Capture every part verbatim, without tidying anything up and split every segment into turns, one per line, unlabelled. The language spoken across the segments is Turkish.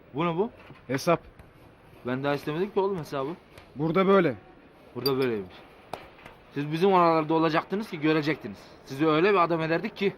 Bu ne bu?
Hesap.
Ben daha istemedim ki oğlum hesabı.
Burada böyle.
Burada böyleymiş. Siz bizim oralarda olacaktınız ki görecektiniz. Sizi öyle bir adam ederdik ki.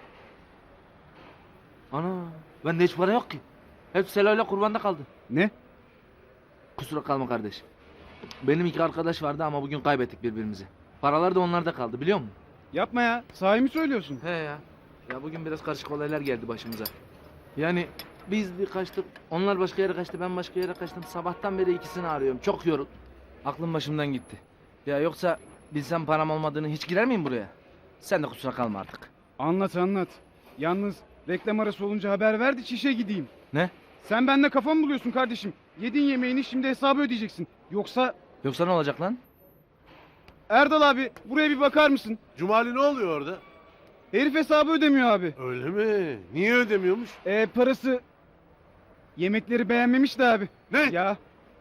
Ana, bende hiç para yok ki. Hep Selo'yla kurbanda kaldı.
Ne?
Kusura kalma kardeşim. Benim iki arkadaş vardı ama bugün kaybettik birbirimizi. Paralar da onlarda kaldı biliyor musun?
Yapma ya. Sahi mi söylüyorsun?
He ya. Ya bugün biraz karışık olaylar geldi başımıza. Yani biz bir kaçtık, onlar başka yere kaçtı, ben başka yere kaçtım. Sabahtan beri ikisini arıyorum. Çok yorul. Aklım başımdan gitti. Ya yoksa bilsem param olmadığını hiç girer miyim buraya? Sen de kusura kalma artık.
Anlat anlat. Yalnız reklam arası olunca haber ver de çişe gideyim.
Ne?
Sen bende kafa mı buluyorsun kardeşim? Yedin yemeğini şimdi hesabı ödeyeceksin. Yoksa...
Yoksa ne olacak lan?
Erdal abi buraya bir bakar mısın?
Cumali ne oluyor orada?
Herif hesabı ödemiyor abi.
Öyle mi? Niye ödemiyormuş?
Ee, parası... Yemekleri beğenmemiş de abi.
Ne?
Ya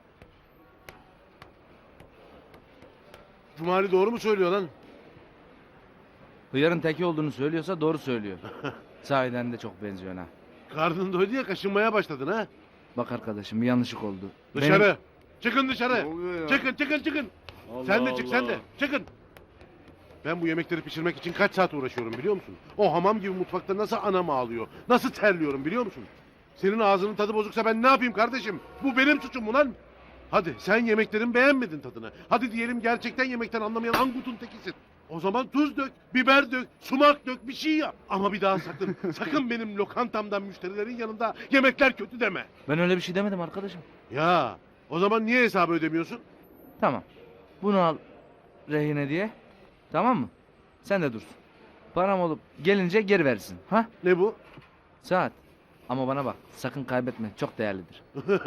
Cumali doğru mu söylüyor lan?
Hıyarın teki olduğunu söylüyorsa doğru söylüyor. Sahiden de çok benziyor ha.
Karnın doydu ya kaşınmaya başladın ha?
Bak arkadaşım bir yanlışlık oldu.
Dışarı.
Benim-
Çıkın dışarı.
oluyor ya?
Çıkın çıkın çıkın. sen de çık sen de. Çıkın. Ben bu yemekleri pişirmek için kaç saat uğraşıyorum biliyor musun? O hamam gibi mutfakta nasıl anam ağlıyor. Nasıl terliyorum biliyor musun? Senin ağzının tadı bozuksa ben ne yapayım kardeşim? Bu benim suçum mu lan? Hadi sen yemeklerin beğenmedin tadını. Hadi diyelim gerçekten yemekten anlamayan angutun tekisin. O zaman tuz dök, biber dök, sumak dök bir şey yap. Ama bir daha sakın, sakın benim lokantamdan müşterilerin yanında yemekler kötü deme.
Ben öyle bir şey demedim arkadaşım.
Ya o zaman niye hesabı ödemiyorsun?
Tamam. Bunu al rehine diye. Tamam mı? Sen de dursun. Param olup gelince geri verirsin. Ha?
Ne bu?
Saat. Ama bana bak. Sakın kaybetme. Çok değerlidir.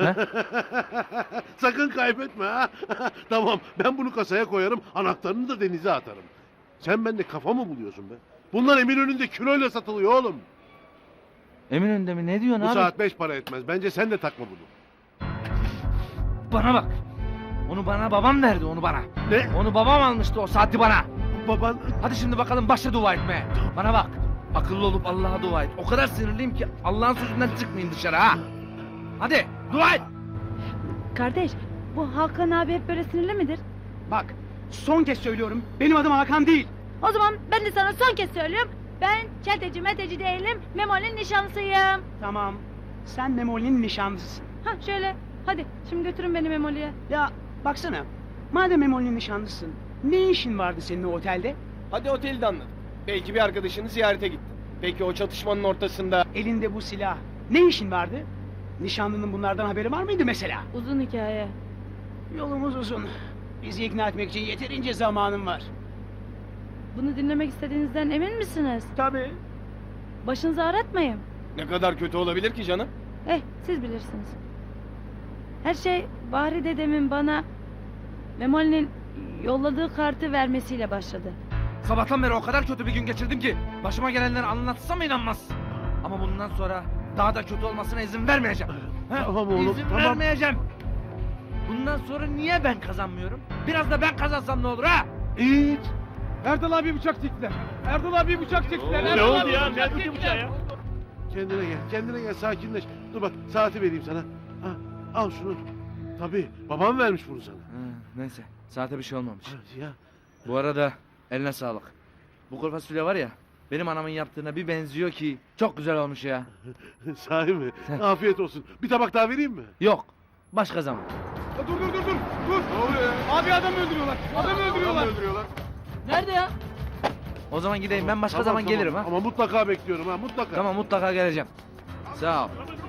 Sakın kaybetme ha. Tamam ben bunu kasaya koyarım anahtarını da denize atarım. Sen bende kafa mı buluyorsun be? Bunlar Eminönü'nde kiloyla satılıyor oğlum.
Eminönü'nde mi? Ne diyorsun
Bu
abi?
saat beş para etmez. Bence sen de takma bunu.
Bana bak. Onu bana babam verdi onu bana.
Ne?
Onu babam almıştı o saati bana.
Baban...
Hadi şimdi bakalım başla dua etmeye. Bana bak. Akıllı olup Allah'a dua et. O kadar sinirliyim ki Allah'ın sözünden çıkmayayım dışarı ha. Hadi dua et.
Kardeş, bu Hakan abi hep böyle sinirli midir?
Bak, son kez söylüyorum. Benim adım Hakan değil.
O zaman ben de sana son kez söylüyorum. Ben çeteci meteci değilim, Memoli'nin nişanlısıyım.
Tamam. Sen Memoli'nin nişanlısısın.
Ha şöyle, hadi şimdi götürün beni Memoli'ye.
Ya baksana. Madem Memoli'nin nişanlısın, ne işin vardı senin o otelde?
Hadi oteli de anlat. Belki bir arkadaşını ziyarete gittin. Peki o çatışmanın ortasında...
Elinde bu silah. Ne işin vardı? Nişanlının bunlardan haberi var mıydı mesela?
Uzun hikaye.
Yolumuz uzun. Bizi ikna etmek için yeterince zamanım var.
Bunu dinlemek istediğinizden emin misiniz?
Tabii.
Başınızı ağrıtmayın.
Ne kadar kötü olabilir ki canım?
Eh, siz bilirsiniz. Her şey Bahri dedemin bana Memoli'nin yolladığı kartı vermesiyle başladı.
Sabahtan beri o kadar kötü bir gün geçirdim ki başıma gelenleri anlatsam inanmaz. Ama bundan sonra daha da kötü olmasına izin vermeyeceğim. Ha?
Tamam oğlum,
İzin
tamam.
vermeyeceğim. Bundan sonra niye ben kazanmıyorum? Biraz da ben kazansam ne olur ha?
Hiç.
Erdal abi bıçak çektiler. Erdal abi bıçak çektiler.
Ne
Erdal
oldu
abi
ya?
bıçak
Ne
çektiler.
ya?
Kendine gel, kendine gel, sakinleş. Dur bak, saati vereyim sana. Ha, al şunu. Tabii, babam vermiş bunu sana.
Ha, neyse saate bir şey olmamış.
Ya,
Bu arada eline sağlık. Bu kuru fasulye var ya benim anamın yaptığına bir benziyor ki çok güzel olmuş ya.
sahi mi? Afiyet olsun. Bir tabak daha vereyim mi?
Yok başka zaman.
Ya dur dur dur dur. Dur. Ne oluyor ya? Abi adam öldürüyorlar. Adam öldürüyorlar.
öldürüyorlar.
Nerede ya? O zaman gideyim ben başka
Tamam,
zaman
tamam.
gelirim ha.
Ama mutlaka bekliyorum ha, mutlaka.
Tamam mutlaka geleceğim. Sağ ol.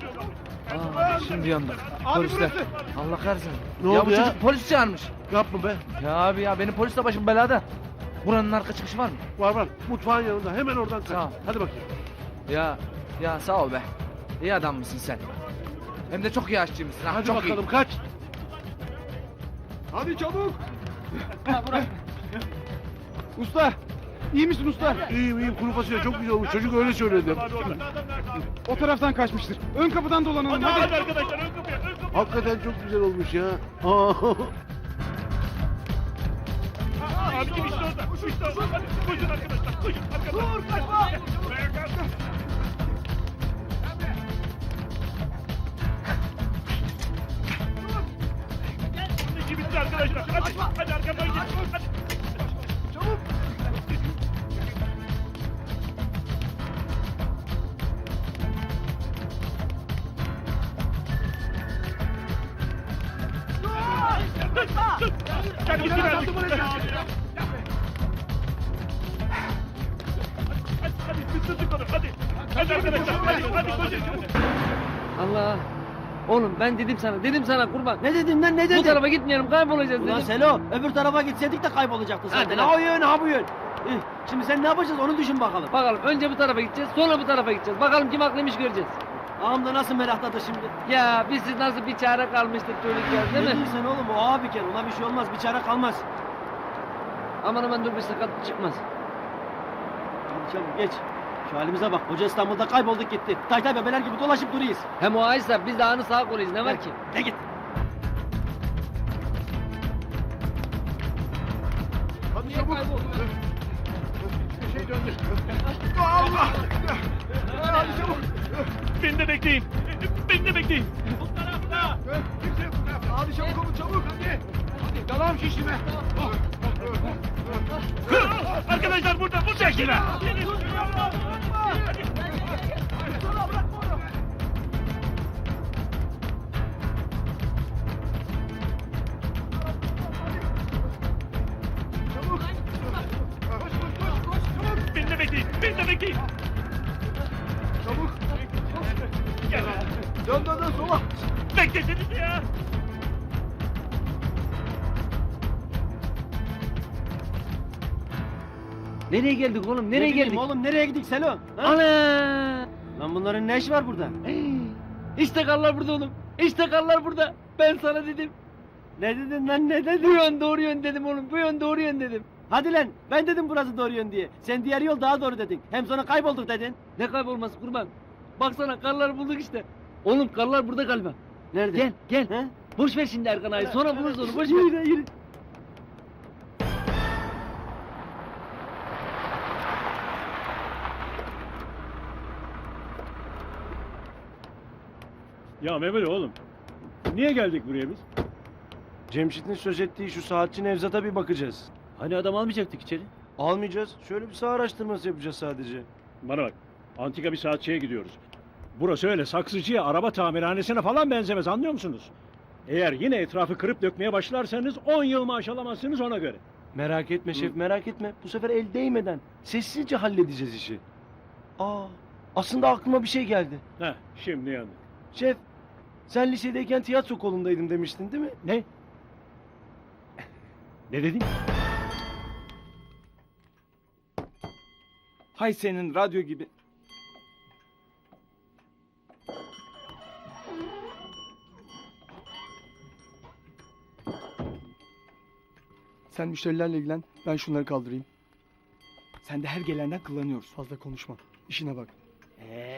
Aa, şimdi yandık.
Abi
Polisler.
burası.
Allah kahretsin.
Ne
ya
oldu
bu
ya?
çocuk polis çağırmış.
Yapma be.
Ya abi ya benim polisle başım belada. Buranın arka çıkışı var mı?
Var var, mutfağın yanında. Hemen oradan kaç.
Sağ ol.
Hadi bakayım.
Ya ya sağ ol be. İyi adam mısın sen? Hem de çok iyi aşçıymışsın ha.
Hadi
çok
bakalım,
iyi.
kaç.
Hadi çabuk. Usta. İyi misin usta?
İyiyim iyiyim, kuru fasulye çok güzel olmuş. Çocuk öyle söyledi.
O taraftan kaçmıştır. Ön kapıdan dolanalım hadi.
arkadaşlar ön kapıya, ön kapıya.
Hakikaten çok güzel olmuş ya. Aa.
Abicim işte orada. İşte orada. Hadi koşun arkadaşlar. Koşun arkadaşlar. Dur kaçma.
Allah. Oğlum ben dedim sana, dedim sana kurban.
Ne dedin lan ne dedin?
Bu tarafa gitmeyelim, kaybolacağız
Ulan
dedim.
Selo öbür tarafa gitseydik de kaybolacaktın
Hadi
zaten.
lan.
Ha o yön ha bu yön. Eh, Şimdi sen ne yapacağız onu düşün bakalım.
Bakalım önce bu tarafa gideceğiz, sonra bu tarafa gideceğiz. Bakalım kim haklıymış göreceğiz.
Ağam da nasıl merakladı şimdi.
Ya biz siz nasıl bir çare kalmıştık çocuklar
Ne
değil mi?
diyorsun oğlum o ağa bir kere ona bir şey olmaz bir çare kalmaz.
Aman aman dur bir sakatlık çıkmaz.
Hadi çabuk geç. Şu halimize bak koca İstanbul'da kaybolduk gitti. Taytay bebeler gibi dolaşıp duruyoruz.
Hem o aysa biz de anı sağ koluyuz ne var ki?
Ne git.
Hadi çabuk. Bir şey döndü. Allah! Hadi çabuk.
Beni de bekleyin. Beni de bekleyin.
Kimse yok. Hadi çabuk olun çabuk hadi. Hadi dalağım şişti be.
Arkadaşlar burada bu şekilde. Beni de bekleyin. Beni de bekleyin.
Çabuk.
Gel.
Dön dön dön sola.
Bekleseniz ya.
Nereye geldik oğlum? Nereye
Ne bileyim
geldik?
oğlum nereye gidik Selo? Ha?
Ana!
Lan bunların ne işi var burada?
İşte karlar burada oğlum. İşte karlar burada. Ben sana dedim.
Ne dedin lan ne
Bu
dedin?
yön doğru yön dedim oğlum. Bu yön doğru yön dedim.
Hadi lan ben dedim burası doğru yön diye. Sen diğer yol daha doğru dedin. Hem sonra kaybolduk dedin.
Ne kaybolması kurban. Baksana karları bulduk işte. Oğlum karlar burada galiba.
Nerede?
Gel gel.
He?
Boş ver şimdi Erkan ağayı. Sonra buluruz onu. Boş ver.
Yürü yürü.
Ya Mehmet oğlum. Niye geldik buraya biz?
Cemşit'in söz ettiği şu saatçi Nevzat'a bir bakacağız.
Hani adam almayacaktık içeri?
Almayacağız. Şöyle bir saha araştırması yapacağız sadece.
Bana bak. Antika bir saatçiye gidiyoruz. Burası öyle saksıcıya, araba tamirhanesine falan benzemez anlıyor musunuz? Eğer yine etrafı kırıp dökmeye başlarsanız on yıl maaş alamazsınız ona göre.
Merak etme şef, merak etme. Bu sefer el değmeden sessizce halledeceğiz işi. Aa, aslında aklıma bir şey geldi.
Heh, şimdi yandık.
Şef, sen lisedeyken tiyatro kolundaydım demiştin değil mi?
Ne? Ne dedin?
Hay senin radyo gibi.
Sen müşterilerle ilgilen, ben şunları kaldırayım.
Sen de her gelenden kullanıyoruz.
Fazla konuşma, işine bak.
Ee.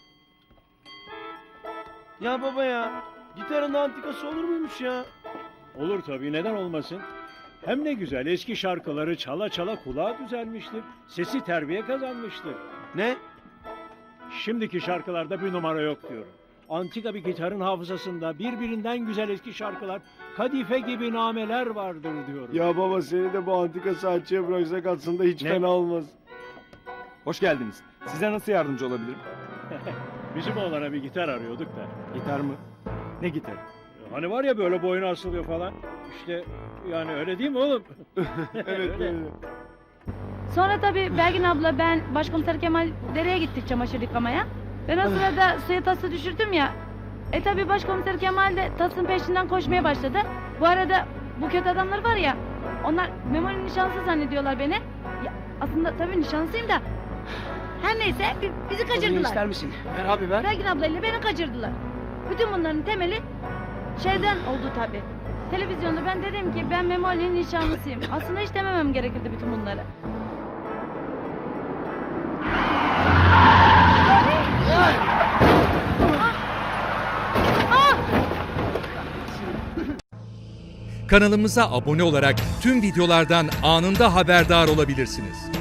Ya baba ya, gitarın antikası olur muymuş ya?
Olur tabii neden olmasın? Hem ne güzel eski şarkıları çala çala kulağa düzelmiştir. Sesi terbiye kazanmıştır.
Ne?
Şimdiki şarkılarda bir numara yok diyorum. Antika bir gitarın hafızasında birbirinden güzel eski şarkılar, kadife gibi nameler vardır diyorum.
Ya baba seni de bu antika saatçiye bıraksak aslında hiç
Ne?
fena olmaz.
Hoş geldiniz. Size nasıl yardımcı olabilirim?
Bizim oğlana bir gitar arıyorduk da.
Gitar mı? Ne gitar?
Hani var ya böyle boynu asılıyor falan. İşte yani öyle değil mi oğlum?
Evet
Öyle.
öyle.
Sonra tabii Belgin abla ben başkomiser Kemal dereye gittik çamaşır yıkamaya. Ben o sırada suya tası düşürdüm ya. E tabii başkomiser Kemal de tasın peşinden koşmaya başladı. Bu arada bu kötü adamlar var ya. Onlar Memoli'nin nişanlısı zannediyorlar beni. Ya, aslında tabii nişanlısıyım da. Her neyse bi- bizi
Konuyu
kaçırdılar.
ister misin? Ver abi ver.
Belgin ablayla beni kaçırdılar. Bütün bunların temeli şeyden oldu tabii. Televizyonda ben dedim ki ben Memoli'nin nişanlısıyım. Aslında hiç dememem gerekirdi bütün bunları.
Kanalımıza abone olarak tüm videolardan anında haberdar olabilirsiniz.